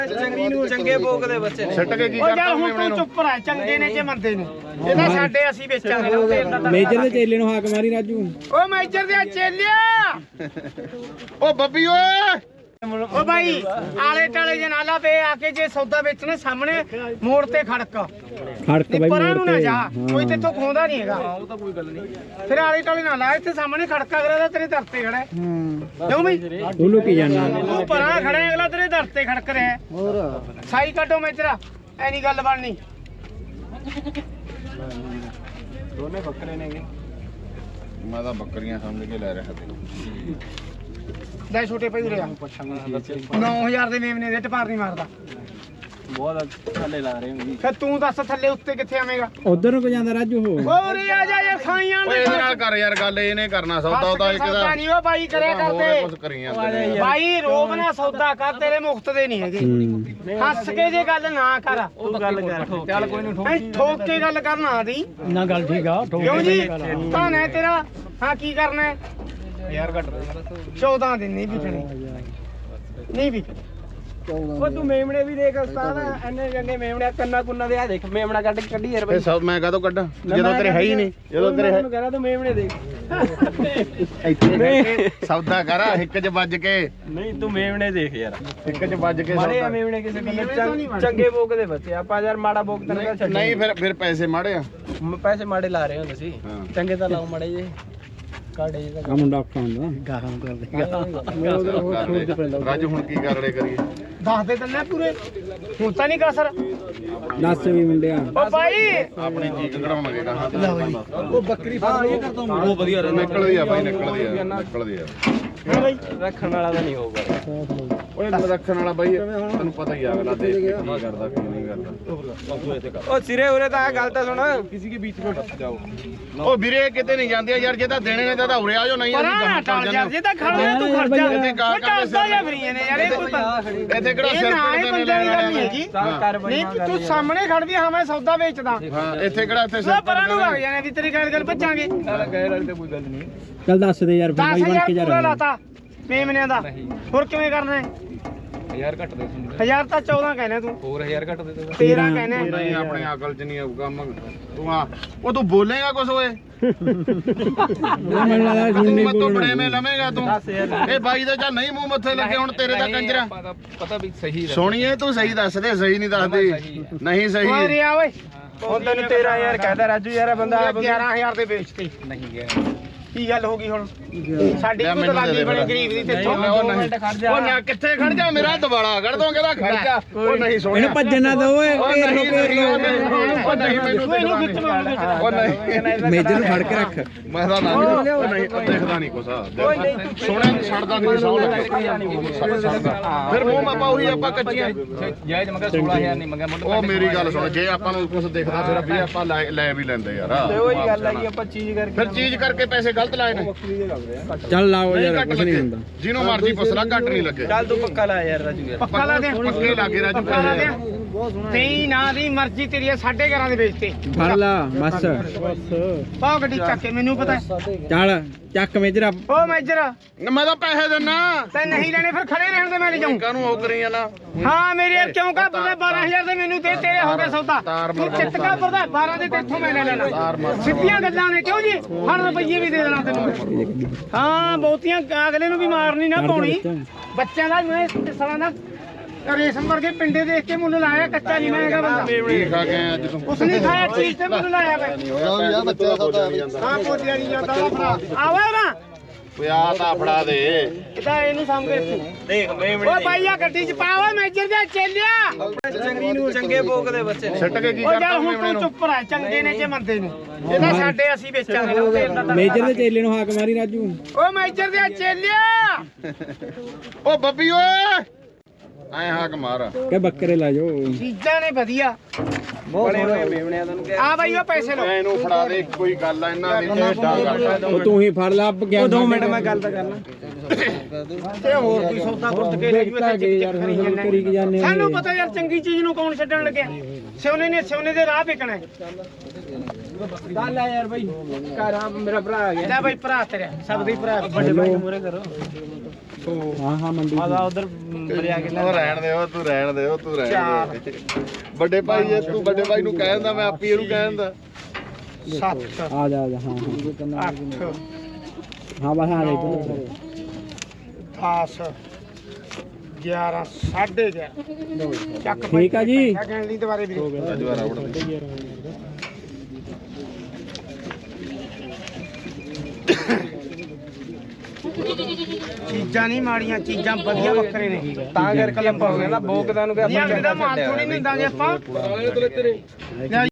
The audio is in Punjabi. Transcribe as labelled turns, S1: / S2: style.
S1: ਚੰਗੀ ਨੂੰ ਚੰਗੇ ਭੋਗ ਦੇ ਬੱਚੇ ਨੇ
S2: ਛੱਟ ਕੇ ਕੀ ਕਰਦਾ
S3: ਹੁਣ ਤੂੰ ਚੁੱਪ ਰਹਿ, ਚੰਗੇ ਨੇ ਜੇ ਮੰਦੇ ਨੇ ਇਹਦਾ ਸਾਡੇ ਅਸੀਂ ਵੇਚਾਂਗੇ।
S4: ਮੇਜਰ ਦੇ ਚੇਲੇ ਨੂੰ ਹਾਕ ਮਾਰੀ ਰਾਜੂ।
S3: ਓ ਮੇਜਰ ਦੇ ਚੇਲਿਆ,
S2: ਓ ਬੱਬੀ ਓਏ
S3: ਓ ਭਾਈ ਆਲੇ ਟਾਲੇ ਜੇ ਨਾਲਾ ਪੇ ਆ ਕੇ ਜੇ ਸੌਦਾ ਵੇਚਣੇ ਸਾਹਮਣੇ ਮੋੜ ਤੇ ਖੜਕ
S4: ਬਾਈ
S3: ਪਰਾਂ ਨੂੰ ਨਾ ਜਾ,
S4: ਮੋੜ
S3: ਕੋਈ
S4: ਤੇ
S3: ਤੇਥੋਂ ਖੋਂਦਾ ਨਹੀਂ ਹੈਗਾ।
S1: ਉਹ ਤਾਂ ਕੋਈ ਗੱਲ ਨਹੀਂ।
S3: ਫਿਰ ਆਲੇ ਟਾਲੇ ਨਾ ਲਾ, ਇੱਥੇ ਸਾਹਮਣੇ ਖੜਕਾ ਅਗਲਾ ਤੇਰੇ ਦਰ ਤੇ ਖੜਾ ਹੈ। ਕਿਉਂ ਬਈ
S4: ਤੂੰ ਲੁਕੀ ਜਾਣਾ।
S3: ਤੂੰ ਪਰਾਂ ਖੜਾ ਹੈ, ਅਗਲਾ ਤੇਰੇ ਦਰ ਤੇ ਖੜਕ ਰਿਹਾ। ਹੋਰ ਸਾਈ ਕੱਢੋ ਮੇਜਰਾ, ਐ ਨਹੀਂ ਗੱਲ ਬਣਨੀ।
S1: ਦੋਨੇ ਬੱਕਰੇ ਨੇਗੇ।
S2: ਮੈਂ ਤਾਂ ਬੱਕਰੀਆਂ ਸਮਝ ਕੇ ਲੈ ਰਿਹਾ ਸੀ।
S3: ਲੈ ਛੋਟੇ ਭਾਈ ਉਰੇ ਆ। 9000 ਦੇ ਮੇਮਨੇ ਦੇ ਟਪਾਰ ਨਹੀਂ ਮਾਰਦਾ।
S1: ਬਹੁਤ ਥੱਲੇ ਲਾ ਰਹੇ ਹੁੰਦੀ।
S3: ਫਿਰ ਤੂੰ ਦੱਸ ਥੱਲੇ ਉੱਤੇ ਕਿੱਥੇ ਆਵੇਂਗਾ?
S4: ਉਧਰ ਨੂੰ ਕੋ ਜਾਂਦਾ ਰਾਜੂ ਹੋ।
S3: ਉਰੇ ਆ ਜਾ ਯਾਰ, ਖਾਈਆਂ
S2: ਓਏ ਇਹਦੇ ਨਾਲ ਕਰ ਯਾਰ ਗੱਲ, ਇਹਨੇ ਕਰਨਾ ਸੌਦਾ ਉਹਦਾ ਇੱਕ ਦਾ
S3: ਨਹੀਂ ਉਹ ਬਾਈ ਕਰਿਆ
S2: ਕੁਝ
S3: ਕਰਦੇ।
S2: ਕਰੀ ਜਾਂਦੇ
S3: ਬਾਈ ਰੋਬ ਨਾ ਸੌਦਾ ਕਰ, ਤੇਰੇ ਮੁਫਤ ਦੇ ਨਹੀਂ ਹੈਗੇ। ਹੱਸ ਕੇ ਜੇ ਗੱਲ ਨਾ ਕਰ,
S1: ਉਹ ਗੱਲ ਕਰ ਚੱਲ ਕੋਈ ਨਹੀਂ
S3: ਐ ਠੋਕ ਕੇ ਗੱਲ ਕਰਨਾ ਆਦੀ
S4: ਨਾ ਗੱਲ ਠੀਕ ਆ।
S3: ਕਿਉਂ ਜੀ ਧਨ ਹੈ ਤੇਰਾ। ਹਾਂ ਕੀ ਕਰਨਾ ਹੈ?
S1: ਯਾਰ ਘੱਟ ਦੇ
S3: 14 ਦਿਨ ਨਹੀਂ ਵਿਕਣੇ, ਨਹੀਂ ਵਿਕਣੇ।
S1: ਉਹ ਤੂੰ ਮੇਮਣੇ ਵੀ ਦੇਖ ਉਸਤਾਦ, ਐਨੇ ਚੰਗੇ ਮੇਮਣੇ ਕੰਨਾ ਕੁੰਨਾ ਦੇ ਆ ਦੇਖ, ਮੇਮਣਾ ਕੱਢੀ ਯਾਰ
S2: ਫੇ ਸਭ ਮੈਂ ਕਾਹਤੋਂ ਕੱਢਾਂ ਜਦੋਂ ਤੇਰੇ ਹੈ ਹੀ ਨਹੀਂ। ਜਦੋਂ ਤੇਰੇ
S1: ਮੈਨੂੰ ਕਹਿੰਦਾ ਤੂੰ ਮੇਮਣੇ ਦੇਖ।
S2: ਇੱਥੇ ਸੌਦਾ ਕਰ ਇੱਕ ਚ ਵੱਜ ਕੇ,
S1: ਨਹੀਂ ਤੂੰ ਮੇਮਣੇ ਦੇਖ ਯਾਰ,
S2: ਇੱਕ ਚ ਵੱਜ ਕੇ
S1: ਮਾੜੇ ਆ
S2: ਸੌਦਾ।
S1: ਮੇਮਣੇ ਕਿਸੇ ਬੰਦੇ ਚੰਗੇ ਭੋਗ ਦੇ ਬੱਚੇ। ਆਪਾਂ ਯਾਰ ਮਾੜਾ ਭੋਗ ਤੈਨੂੰ ਕਹਿੰਦਾ ਛੱਡ।
S2: ਨਹੀਂ ਫਿਰ ਪੈਸੇ ਮਾੜੇ ਆ।
S1: ਪੈਸੇ ਮਾੜੇ ਲਾ ਰਹੇ ਹੁੰਦੇ ਸੀ,
S2: ਹਾਂ।
S1: ਚੰਗੇ ਤਾਂ ਲਾਓ ਮਾੜੇ ਜੇ ਕਾੜੇ ਜੇ
S4: ਆ ਮੁੰਡਾ ਔਖਾ ਹੁੰਦਾ ਗਾਹਾਂ ਕਰਦੇ।
S2: ਰਾਜੂ ਹੁਣ ਕੀ ਕਰੜੇ ਕਰੀਏ?
S3: ਦੱਸ ਦੇ ਦਿੰਦਾ ਪੂਰੇ, ਹੁਣ ਤਾਂ ਨਹੀਂ ਕਸਰ।
S4: ਦੱਸ ਵੀ ਮੁੰਡਿਆ।
S3: ਓ ਬਾਈ
S2: ਆਪਣੀ ਚੀਕ ਕਢਾਉਣਗੇ ਕਹਾਂ
S1: ਉਹ ਬੱਕਰੀ ਫਾਰਮ ਇਹ ਕਰਦਾ ਉਹ ਵਧੀਆ ਰਹਿੰਦਾ।
S2: ਨਿਕਲਦੀ ਆ ਬਾਈ, ਨਿਕਲਦੀ ਆ।
S3: ਹਾਂ ਬਾਈ
S1: ਰੱਖਣ ਵਾਲਾ ਤਾਂ ਨਹੀਂ ਹੋਊਗਾ।
S2: ਓਏ ਰੱਖਣ ਵਾਲਾ ਬਾਈ ਤੈਨੂੰ ਪਤਾ ਹੀ ਆ, ਅਗਲਾ ਦੇਖ ਕੇ ਕੀ ਕਰਦਾ ਕੀ ਨਹੀਂ ਕਰਦਾ।
S1: ਉਹ ਸਿਰੇ ਉਰੇ ਤਾਂ ਗੱਲ ਤਾਂ ਸੁਣ, ਕਿਸੇ ਕੇ ਵਿੱਚ ਵਿੱਚ ਡਸ ਜਾਓ।
S2: ਉਹ ਵੀਰੇ ਕਿਤੇ ਨਹੀਂ ਜਾਂਦੇ ਯਾਰ, ਜੇ ਤਾਂ ਦੇਣੇ ਨੇ ਤਾਂ ਉਰੇ ਆ ਜਾਓ, ਨਹੀਂ ਅਸੀਂ
S3: ਪਰਾਂ
S2: ਗਾਹਾਂ
S3: ਟਾਲ
S2: ਚੱਲ
S3: ਯਾਰ,
S2: ਜਾਂਦੇ।
S3: ਜੇ ਤਾਂ ਖੜਦਾ ਤੂੰ ਖਰਚਾ
S2: ਇੱਥੇ ਗਾਹ
S3: ਉਹ ਟਾਲਦਾ ਜਾਂ ਫਰੀਏ ਨੇ ਯਾਰ, ਇਹ ਕੋਈ
S2: ਇੱਥੇ ਕਿਹੜਾ ਸਿਰ
S3: ਨਾ ਇਹ
S2: ਪੀੜਦੇ ਨੇ
S3: ਬੰਦੇ ਦੀ ਗੱਲ ਨਹੀਂ
S2: ਲੈਣ
S3: ਹੈਗੀ।
S1: ਚੱਲ ਕਰ ਬਈ
S3: ਨਹੀਂ ਤੂੰ ਸਾਹਮਣੇ ਖੜਦੀ, ਹਾਂ ਮੈਂ ਸੌਦਾ ਵੇਚਦਾ।
S2: ਹਾਂ ਇੱਥੇ ਕਿਹੜਾ ਇੱਥੇ
S3: ਉਹ ਪਰਾਂ ਨੂੰ ਲੱਗ ਜਾਣੇ ਵੀ ਤੇਰੀ ਗੱਲ ਭੱਜਾਂਗੇ।
S1: ਗੈਰ ਵਾਲੀ ਤਾਂ ਕੋਈ ਗੱਲ ਨਹੀਂ।
S4: ਚੱਲ ਦੱਸ ਦੇ ਯਾਰ ਬਾਈ ਬਣ
S3: 10000
S4: ਕੇ
S3: ਪੂਰਾ
S4: ਜਾ।
S3: ਲਾਤਾ ਮੇਮਨਿਆਂ ਦਾ, ਹੋਰ ਕਿਵੇਂ ਕਰਨਾ ਹੈ?
S1: 1000 ਘੱਟ ਦੇ ਤੂੰ,
S3: 1000 ਤਾਂ 14 ਕਹਿਣਾ ਤੂੰ,
S1: ਹੋਰ 1000 ਘੱਟ ਦੇ ਤੂੰ।
S3: 13 ਕਹਿਣਾ ਹੈ।
S2: ਨਹੀਂ ਆਪਣੇ ਅਕਲ ਚ ਨਹੀਂ ਆਊਗਾ ਤੂੰ ਆ ਉਹ ਤੂੰ ਬੋਲੇਗਾ ਕੁਛ ਓਏ?
S4: ਮੈਨੂੰ ਲੱਗਦਾ ਹੁਣ ਨਹੀਂ
S2: ਤੂੰ
S4: ਬੋਲਣਾ।
S2: ਬੜੇ ਮੇ ਲਵੇਂਗਾ ਤੂੰ। ਇਹ ਬਾਈ ਦੇ ਜਾਂ ਨਹੀਂ ਮੂੰਹ ਮੱਥੇ ਲੱਗੇ, ਹੁਣ ਤੇਰੇ ਦਾ ਕੰਜਰਾ
S1: ਪਤਾ ਵੀ ਸਹੀ
S2: ਸੋਣੀਏ ਤੂੰ ਸਹੀ ਦੱਸ ਦੇ, ਸਹੀ ਨਹੀਂ ਦੱਸਦੀ। ਨਹੀਂ ਸਹੀ
S3: ਓਏ ਆ ਓਏ,
S1: ਹੁਣ ਤੈਨੂੰ 13000 ਕਹਿਦਾ ਰਾਜੂ ਯਾਰ, ਇਹ ਬੰਦਾ
S3: 11000 ਦੇ ਵੇਚਤੇ।
S1: ਨਹੀਂ ਗਿਆ।
S3: ਕੀ ਗੱਲ ਹੋ ਗਈ ਹੁਣ? ਸਾਡੀ ਕੋਈ ਦਲਾਲੀ ਬਣੇ ਗਰੀਬ ਦੀ ਤੇ
S2: ਉਹ ਨਾ ਕਿੱਥੇ ਖੜ ਜਾ, ਮੇਰਾ ਦਵਾਲਾ ਕੱਢ ਦੋ, ਕਹਿੰਦਾ ਖੜ ਜਾ। ਉਹ ਨਹੀਂ ਸੋਣਿਆ,
S4: ਇਹਨੂੰ ਭੱਜਣ ਨਾ ਦੋ ਓਏ।
S2: ਉਹ
S4: ਘੇਰ ਲੋ
S2: ਨਹੀਂ
S4: ਘੇਰ ਲੋ।
S2: ਉਹ ਨਹੀਂ ਮੈਨੂੰ
S3: ਇਹਨੂੰ ਖਿੱਚ ਲਓ, ਇਹਨੂੰ ਖਿੱਚ ਲਓ।
S2: ਉਹ ਨਹੀਂ
S4: ਮੇਜਰ ਨੂੰ ਫੜ ਕੇ ਰੱਖ।
S2: ਮੈਂ ਤਾਂ ਨਾ ਉਹ ਨਹੀਂ ਉਹ ਦੇਖਦਾ ਨਹੀਂ ਕੁਛ ਸੋਹਣਾ ਛੱਡਦਾ ਨਹੀਂ ਸੌ ਲੱਗੇ ਫਿਰ ਮੂੰਹ ਮਾਪਾ ਉਹੀ ਆਪਾਂ ਕੱਚੀਆਂ
S1: ਜਾਇਜ਼ ਮਗਰ 16000 ਨਹੀਂ ਮੰਗਿਆ ਮੁੱਲ।
S2: ਉਹ ਮੇਰੀ ਗੱਲ ਸੁਣ, ਜੇ ਆਪਾਂ ਨੂੰ ਕੁਛ ਦਿਖਦਾ ਫਿਰ ਵੀ ਆਪਾਂ ਲੈ ਵੀ ਲੈਂਦੇ ਯਾਰ।
S1: ਤੇ ਉਹੀ ਗੱਲ ਹੈ ਕਿ ਆਪਾਂ ਚੀਜ਼ ਕਰਕੇ
S2: ਫਿਰ ਚੀਜ਼ ਕਰਕੇ ਪੈਸੇ ਗਲਤ ਲਾਏ ਨੇ।
S4: ਚੱਲ ਲਾਓ
S2: ਨਹੀਂ
S4: ਯਾਰ
S2: ਘੱਟ
S4: ਕੁਛ ਨਹੀਂ
S2: ਲੱਗੇ,
S4: ਹੁੰਦਾ।
S2: ਜਿਹਨੂੰ ਮਰਜ਼ੀ ਪੁੱਛ ਲੈ, ਘੱਟ ਨਹੀਂ ਲੱਗੇ।
S1: ਚੱਲ ਤੂੰ ਪੱਕਾ ਲਾ ਯਾਰ ਰਾਜੂ ਯਾਰ।
S3: ਪੱਕਾ ਲਾ ਦੇ,
S2: ਪੱਕੇ ਲਾਗੇ ਰਾਜੂ
S3: ਪੱਕਾ ਲਾ ਦੇ।
S2: ਪੈਸੇ।
S3: ਤੇਈ ਨਾ ਦੀ ਮਰਜ਼ੀ ਤੇਰੀ ਹੈ, 11.5 ਦੇ ਵੇਚਤੇ।
S4: ਫੜ ਲਾ ਬਸ।
S3: ਪਾਓ ਗੱਡੀ ਚੱਕ ਕੇ, ਮੈਨੂੰ ਪਤਾ।
S4: ਚੱਲ ਚੱਕ ਮੇਜਰਾ।
S3: ਓ ਮੇਜਰ
S2: ਮੈਂ ਤਾਂ ਪੈਸੇ ਦਿੰਨਾ
S3: ਤੇ ਨਹੀਂ ਲੈਣੇ ਫਿਰ ਖੜੇ ਰਹਿਣ ਦੇ, ਮੈਂ ਲੈ ਜਾਊਂ।
S2: ਕਾਹਨੂੰ ਉਹ ਕਰੀ ਜਾਣਾ।
S3: ਹਾਂ ਮੇਰੇ ਯਾਰ ਕਿਉਂ ਕਾ ਪਤਾ 12000 ਦੇ ਮੈਨੂੰ ਦੇ, ਤੇਰੇ ਹੋ ਗਏ ਸੌਦਾ। ਤੂੰ ਚਿੱਤ ਕਾ ਪਰਦਾ 12 ਦੇ ਤੇਥੋਂ ਮੈਂ ਲੈ ਲੈਣਾ। ਸਿੱਧੀਆਂ ਗੱਲਾਂ ਨੇ ਕਿਉਂ ਜੀ? ਹਰ ਰੁਪਈਏ ਵੀ ਦੇ ਦੇਣਾ ਤੈਨੂੰ। ਹਾਂ ਬਹੁਤੀਆਂ ਅਗਲੇ ਨੂੰ ਵੀ ਮਾਰਨੀ ਨਾ ਪਾਉਣੀ। ਬੱਚਿਆਂ ਦਾ ਮੈਂ ਸਾਲਾ ਨਾ ਰੇਸ਼ਮ ਵਰਗੇ ਪਿੰਡੇ ਦੇਖ ਕੇ ਮੁੱਲ ਲਾਇਆ, ਕੱਚਾ ਨਹੀਂ ਮੈਂ ਹੈਗਾ ਬੰਦਾ।
S2: ਕੀ ਖਾ ਕੇ ਆਇਆ ਅੱਜ ਤੂੰ?
S3: ਉਸ ਨੇ ਖਾਇਆ ਚੀਜ਼ ਤੇ ਮੁੱਲ ਲਾਇਆ ਮੈਂ। ਹਾਂ ਪੋਜਿਆ ਨਹੀਂ ਜਾਂਦਾ ਉਹ ਭਰਾ ਆਵਾ ਨਾ
S2: ਓਏ ਆ ਤਾਂ ਫੜਾ ਦੇ।
S3: ਇਹਦਾ ਇਹਨੂੰ ਸਾਂਭ ਕੇ ਰੱਖੀ।
S1: ਦੇਖ ਮੇਮਣੇ
S3: ਓ ਭਾਈ ਆ ਗੱਡੀ ਚ ਪਾ, ਓਏ ਮੇਜਰ ਦੇ ਚੇਲਿਆ।
S1: ਚੰਗੀ ਨੂੰ ਚੰਗੇ ਭੋਗ ਦੇ ਬੱਚੇ ਨੇ।
S2: ਛੱਟ ਕੇ ਕੀ
S3: ਓ
S2: ਕਰਦਾ
S3: ਯਾਰ ਹੁਣ
S2: ਮੇਮਣੇ
S3: ਤੂੰ
S2: ਨੂੰ?
S3: ਚੁੱਪ ਰਹਿ, ਚੰਗੇ ਨੇ ਜੇ ਮੰਦੇ ਨੇ ਇਹਦਾ ਸਾਡੇ ਅਸੀਂ ਵੇਚਾਂਗੇ।
S4: ਮੇਜਰ ਦੇ ਚੇਲੇ ਨੂੰ ਹਾਕ ਮਾਰੀ ਰਾਜੂ।
S3: ਓ ਮੇਜਰ ਦੇ ਚੇਲਿਆ,
S2: ਓ ਬੱਬੀ ਓਏ ਐ ਹਾਕ ਮਾਰ।
S4: ਕਿ ਬੱਕਰੇ ਲਾ ਜਾਓ।
S3: ਚੀਜ਼ਾਂ ਨੇ ਵਧੀਆ।
S1: ਬੜੇ ਹੋਏ ਮੇਮਣਿਆਂ ਤੈਨੂੰ ਕਿਹਾ।
S3: ਆ ਬਾਈ ਉਹ ਪੈਸੇ ਲਓ।
S2: ਇਹਨੂੰ ਫੜਾ ਦੇ, ਕੋਈ ਗੱਲ ਆ ਇਹਨਾਂ ਦੀ ਡਾ
S4: ਉਹ ਤੂੰ ਹੀ ਫੜ ਲਾ ਗਿਆ।
S1: 2 ਮਿੰਟ ਮੈਂ ਗੱਲ ਤਾਂ ਕਰਨਾ।
S3: ਤੇ ਹੋਰ ਕੋਈ ਸੌਦਾ ਗੁੱਟ ਕੇ ਲੈ ਜੂ
S4: ਯਾਰ ਹੁਣ ਕਰੀ ਕੀ ਜਾਂਦੇ
S3: ਸਾਨੂੰ ਪਤਾ ਯਾਰ ਚੰਗੀ ਚੀਜ਼ ਨੂੰ ਕੌਣ ਛੱਡਣ ਲੱਗਿਆ। ਸਿਉਨੇ ਦੇ ਰਾਹ ਵਿਕਣਾ ਹੈ।
S1: ਗੱਲ ਆ ਯਾਰ ਬਾਈ, ਘਰ ਆ ਮੇਰਾ ਭਰਾ ਆ ਗਿਆ।
S3: ਲੈ ਬਾਈ ਭਰਾ ਤੇਰਾ, ਸਭ ਦੇ ਭਰਾ
S1: ਵੱਡੇ ਭਾਈ ਨੂੰ ਮੂਹਰੇ ਕਰੋ।
S4: ਹਾਂ ਹਾਂ ਮੰਡੀ
S3: ਆਦਾ ਉਧਰ ਬਰਿਆ ਕੇ
S2: ਉਹ ਰਹਿਣ ਦੇ, ਤੂੰ ਰਹਿਣ ਦੇ, ਤੂੰ ਰਹਿਣ ਦੇ। ਵੱਡੇ ਭਾਈ ਜੇ ਤੂੰ ਵੱਡੇ ਭਾਈ ਨੂੰ ਕਹਿ ਦਿੰਦਾ, ਮੈਂ ਆਪੀ ਇਹਨੂੰ ਕਹਿ ਦਿੰਦਾ।
S3: 7
S4: ਆ ਜਾ ਹਾਂ
S3: 8
S4: ਹਾਂ ਬਸ ਆ ਲੈ
S3: 10 11 11:30 ਚੱਕ
S4: ਠੀਕ ਆ ਜੀ।
S3: ਕਹਿਣ ਲਈ ਦੁਬਾਰੇ ਵੀਰੇ
S2: ਅੱਜ ਵਾਰ ਆਉਣ ਦੇ।
S3: ਚੀਜ਼ਾਂ ਨਹੀਂ ਮਾੜੀਆਂ, ਚੀਜ਼ਾਂ ਵਧੀਆ ਬੱਕਰੇ ਨੇ।
S1: ਤਾਂ ਕਰਕੇ ਆਪਾਂ ਹੋ ਗਿਆ ਨਾ ਬੋਕਦਾ ਨੂੰ ਕਿ
S3: ਨਹੀਂ ਅਗਲੇ ਦਾ ਮਾਲ ਥੋੜੀ ਨਹੀਂ ਦਿੰਦਾਂਗੇ ਆਪਾਂ।